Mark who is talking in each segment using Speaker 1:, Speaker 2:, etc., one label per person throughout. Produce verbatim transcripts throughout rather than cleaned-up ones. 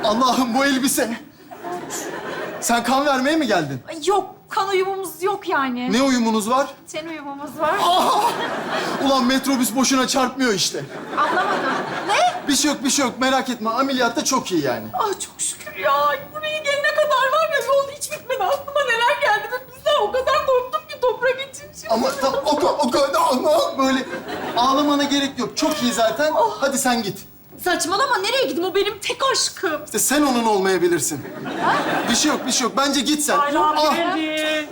Speaker 1: Allah'ım bu elbise. Sen kan vermeye mi geldin?
Speaker 2: Ay, yok, kan uyumumuz yok yani.
Speaker 1: Ne uyumunuz var?
Speaker 2: Ten uyumumuz var.
Speaker 1: Ulan metrobüs boşuna çarpmıyor işte.
Speaker 2: Anlamadım. Ne?
Speaker 1: Bir şey yok, bir şey yok. Merak etme. Ameliyatta çok iyi yani.
Speaker 2: Ah çok şükür ya. Buraya gelene kadar var ya yol hiç bitmedi. Aklıma neler geldi ve biz de o kadar korktuk ki toprak için şimdi.
Speaker 1: Ama tam o, ka- o kadar ama böyle ağlamana gerek yok. Çok iyi zaten. Hadi sen git.
Speaker 2: Saçmalama, nereye gideyim? O benim tek aşkım.
Speaker 1: İşte sen onun olmayabilirsin. Bir şey yok, bir şey yok. Bence git sen.
Speaker 3: Aylar
Speaker 1: Ah!
Speaker 3: geldi.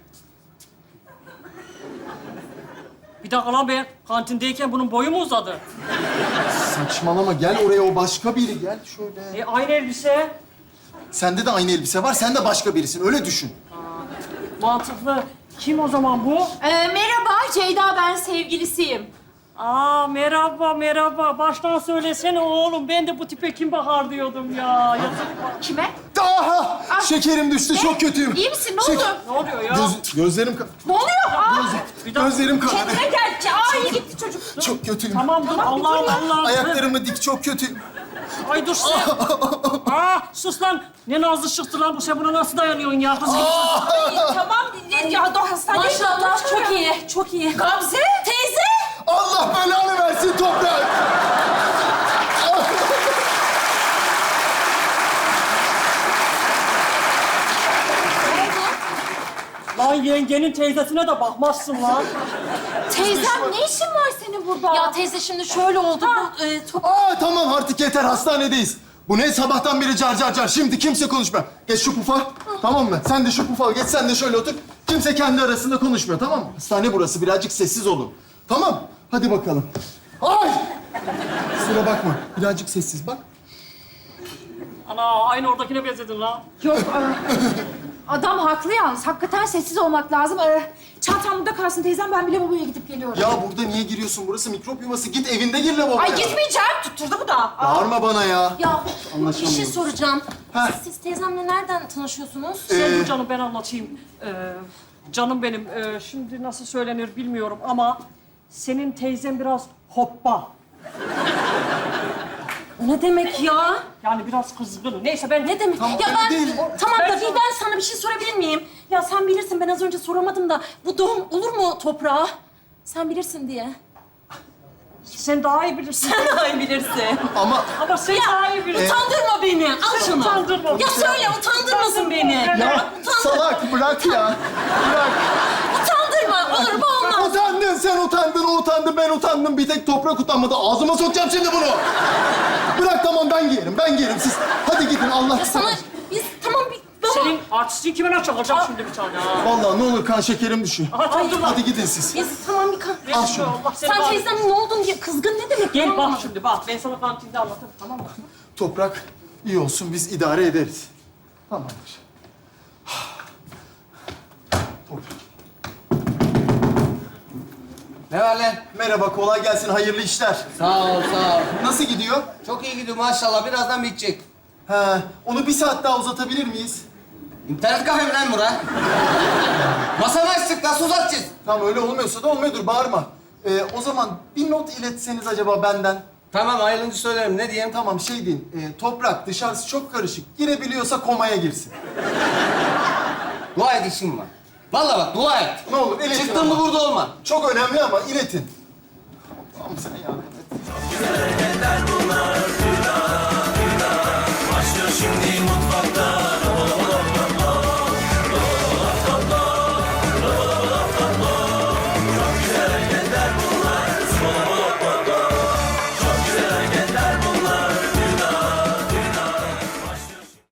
Speaker 3: Bir dakika lan ben kantindeyken bunun boyu mu uzadı?
Speaker 1: Saçmalama. Gel oraya. O başka biri. Gel şöyle.
Speaker 3: E aynı elbise.
Speaker 1: Sende de aynı elbise var. Sen de başka birisin. Öyle düşün.
Speaker 3: Mantıklı. Kim o zaman bu?
Speaker 2: Ee, merhaba Ceyda, ben sevgilisiyim.
Speaker 3: Aa merhaba merhaba. Baştan söylesene oğlum. Ben de bu tipe kim bakar diyordum ya. Yazık.
Speaker 2: Kime?
Speaker 1: Aha!
Speaker 2: Ah.
Speaker 1: Şekerim düştü. Çok kötüyüm.
Speaker 2: İyi misin? Ne
Speaker 1: Şek-
Speaker 2: oldu?
Speaker 3: Ne oluyor ya?
Speaker 1: Göz, gözlerim... ka-
Speaker 2: Ne oluyor? Aa,
Speaker 3: Bir dakika.
Speaker 1: Gözlerim kanadı.
Speaker 2: kendine gel. Aa, iyi gitti çocuk.
Speaker 1: Çok kötüyüm.
Speaker 3: Tamam dur.
Speaker 2: Tamam, bir
Speaker 3: Allah
Speaker 2: dur ya.
Speaker 3: Allah.
Speaker 1: Ayaklarımı dik. Çok kötüyüm.
Speaker 3: Ay dur sen. Aa sus lan. Ne nazlı çıktı lan bu. Sen buna nasıl dayanıyorsun ya? Kız gibi.
Speaker 2: Ay, tamam. Ya da hastaneye
Speaker 4: Maşallah çok iyi, çok iyi.
Speaker 2: Gamze.
Speaker 4: Teyze!
Speaker 1: Allah belanı versin toprak.
Speaker 3: Lan yengenin teyzesine de bakmazsın lan.
Speaker 2: Teyzem, ne işin var senin burada?
Speaker 4: Ya teyze şimdi şöyle oldu. Bu, e, top...
Speaker 1: Aa tamam artık yeter. Hastanedeyiz. Bu ne sabahtan beri car car car. Şimdi kimse konuşmuyor. Geç şu pufa. Tamam mı? Sen de şu pufa al. Geç sen de şöyle otur. Kimse kendi arasında konuşmuyor. Tamam mı? Hastane burası. Birazcık sessiz olun. Tamam. Hadi bakalım. Ay! Kusura bakma. Birazcık sessiz bak.
Speaker 3: Ana aynı oradakine benzedin lan.
Speaker 2: Yok, e, adam haklı yalnız. Hakikaten sessiz olmak lazım. E, çantam burada kalsın teyzem, ben bile babaya gidip geliyorum.
Speaker 1: Ya burada niye giriyorsun? Burası mikrop yuvası. Git evinde gir lavaboya.
Speaker 2: Ay gitmeyeceğim. Tutturdu bu da. Aa.
Speaker 1: Bağırma bana ya.
Speaker 4: Ya bir
Speaker 1: Anlaşamıyoruz.
Speaker 4: şey soracağım.
Speaker 1: Ha.
Speaker 4: Siz teyzemle nereden tanışıyorsunuz?
Speaker 1: Ee,
Speaker 3: Sen dur canım ben anlatayım. Ee, canım benim. Ee, şimdi nasıl söylenir bilmiyorum ama senin teyzen biraz hoppa.
Speaker 4: O ne demek ya?
Speaker 3: Yani biraz kızgın. Neyse ben
Speaker 4: Ne demek?
Speaker 1: Tamam,
Speaker 4: ya
Speaker 1: öyle
Speaker 4: ben
Speaker 1: değil.
Speaker 4: tamam
Speaker 3: Ben
Speaker 4: da bir
Speaker 3: sana-
Speaker 4: ben sana bir şey sorabilir miyim? Ya sen bilirsin, ben az önce soramadım da bu doğum olur mu toprağa? Sen bilirsin diye.
Speaker 3: sen daha iyi bilirsin.
Speaker 4: Sen daha iyi bilirsin.
Speaker 1: Ama
Speaker 3: Ama sen daha iyi bilirsin.
Speaker 4: Utandırma beni. Al
Speaker 3: Sen
Speaker 4: şunu.
Speaker 3: utandırma.
Speaker 4: Ya söyle, utandırmasın beni.
Speaker 1: ya salak bırak ya. Bırak.
Speaker 4: Utandırma. Olur mu olmaz.
Speaker 1: Utandın sen utandın, o utandı, ben utandım. Bir tek toprak utanmadı. Ağzıma sokacağım şimdi bunu. Bırak tamam ben giyerim, ben giyerim. Siz hadi gidin Allah
Speaker 4: Ya sana biz tamam bir... Baba.
Speaker 3: Senin artistin kime ne çakacağım şimdi bir tane ha?
Speaker 1: Vallahi ne olur kan şekerim düşüyor.
Speaker 3: Aha tamam dur lan.
Speaker 1: Hadi gidin siz.
Speaker 4: Biz tamam bir kan...
Speaker 1: Al şunu.
Speaker 3: Allah seni
Speaker 4: Sen
Speaker 3: var.
Speaker 4: teyzem ne oldun diye kızgın ne demek?
Speaker 3: Gel
Speaker 4: ya?
Speaker 3: bak şimdi bak. Ben sana kantinde anlatırım tamam mı?
Speaker 1: Toprak iyi olsun, biz idare ederiz. Tamamdır. Toprak.
Speaker 5: Ne var lan?
Speaker 1: Merhaba, kolay gelsin, hayırlı işler.
Speaker 5: Sağ ol, sağ ol.
Speaker 1: Nasıl gidiyor?
Speaker 5: Çok iyi gidiyor maşallah. Birazdan bitecek.
Speaker 1: Ha, onu bir saat daha uzatabilir miyiz?
Speaker 5: İnternet kafe mi lan bura? Masamı açtık, nasıl uzatacağız?
Speaker 1: Tamam öyle olmuyorsa da olmuyordur, bağırma. Ee, o zaman bir not iletseniz acaba benden.
Speaker 5: Tamam, ayrılınca söylerim. Ne diyeyim?
Speaker 1: Tamam şey deyin, e, toprak dışarısı çok karışık. Girebiliyorsa komaya girsin.
Speaker 5: Dua et işim var. Vallahi bak, dua et.
Speaker 1: Ne olur iletin
Speaker 5: Çıktın mı
Speaker 1: ama.
Speaker 5: burada olma.
Speaker 1: Çok önemli ama iletin. Allah'ım sen yardım et.
Speaker 6: Başlıyor şimdi mutfakta